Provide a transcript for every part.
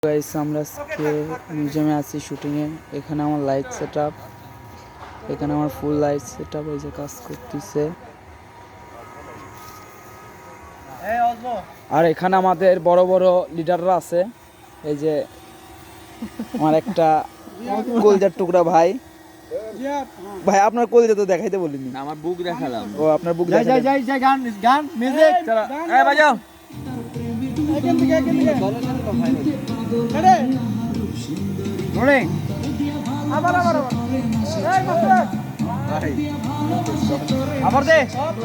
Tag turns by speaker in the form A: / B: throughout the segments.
A: Guys আমরা আজকে মিউজিয়ামে আছি শুটিংয়ে। এখানে আমার লাইট সেটআপ, এখানে আমার ফুল লাইট সেটআপ এই যে কাজ করতেছে। আর এখানে আমাদের বড় বড় লিডাররা আছে। এই যে আমার একটা কলজার টুকরা ভাই। ভাই আপনার কলজা তো দেখাইতে বলিনি,
B: আমার বুক দেখালাম।
A: ও আপনার বুক দেখাই।
C: যাই গান গান মিউজিক
B: চলো এই বাজাও।
C: এখান থেকে আরে রোলিং আবার এই মাস্টার
B: ভাই
C: আবার দে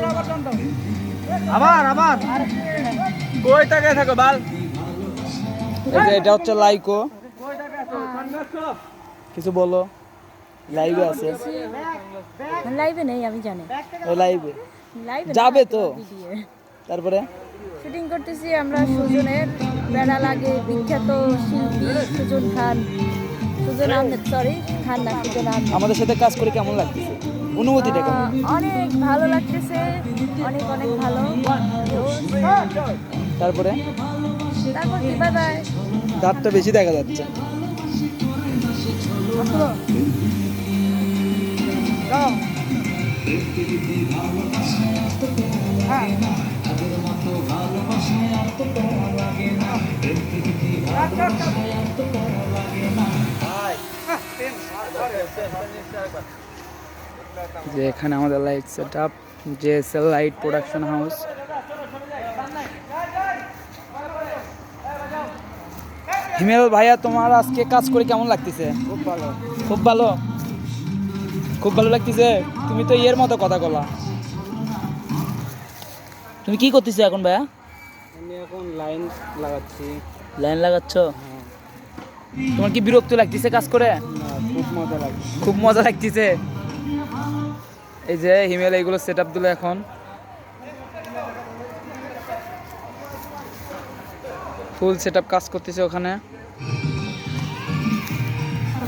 C: আবার
B: কই টাকা থাকো বাল।
A: এই যে এটা হচ্ছে লাইকো। কিছু বলো, লাইভে আছে।
D: লাইভে নেই আমি জানি।
A: লাইভে
D: লাইভে
A: যাবে তো। তারপরে
D: শুটিং করতেছি আমরা সুজনের বেড়া লাগে বিখ্যাত শিল্পী সুজন খান, সুজন আহমেদ, সরি খান না, সুজন আহমেদ।
A: আমাদের সাথে কাজ করে কেমন লাগতেছে, অনুভূতিটা কেমন?
D: অনেক ভালো লাগতেছে, অনেক অনেক ভালো।
A: তারপরে
D: তারপর কি, বাই বাই।
A: দাঁতটা বেশি দেখা যাচ্ছে। যে এখানে আমাদের light setup, JSL light production house. Himel ভাইয়া, তোমার আজকে কাজ করে কেমন লাগতেছে?
C: খুব ভালো।
A: খুব ভালো, খুব ভালো লাগতেছে। তুমি তো এর মতো কথা বলা। তুমি কি করতেছো এখন ভাইয়া?
C: আমি এখন লাইন লাগাচ্ছি।
A: লাইন লাগাচ্ছ? তোমার কি বিরক্ত লাগতেছে কাজ করে?
C: খুব মজা লাগছে।
A: খুব মজা লাগতেছে। এই যে হিমেল এইগুলো সেট আপ দিল, এখন ফুল সেট আপ কাজ করতেছে ওখানে।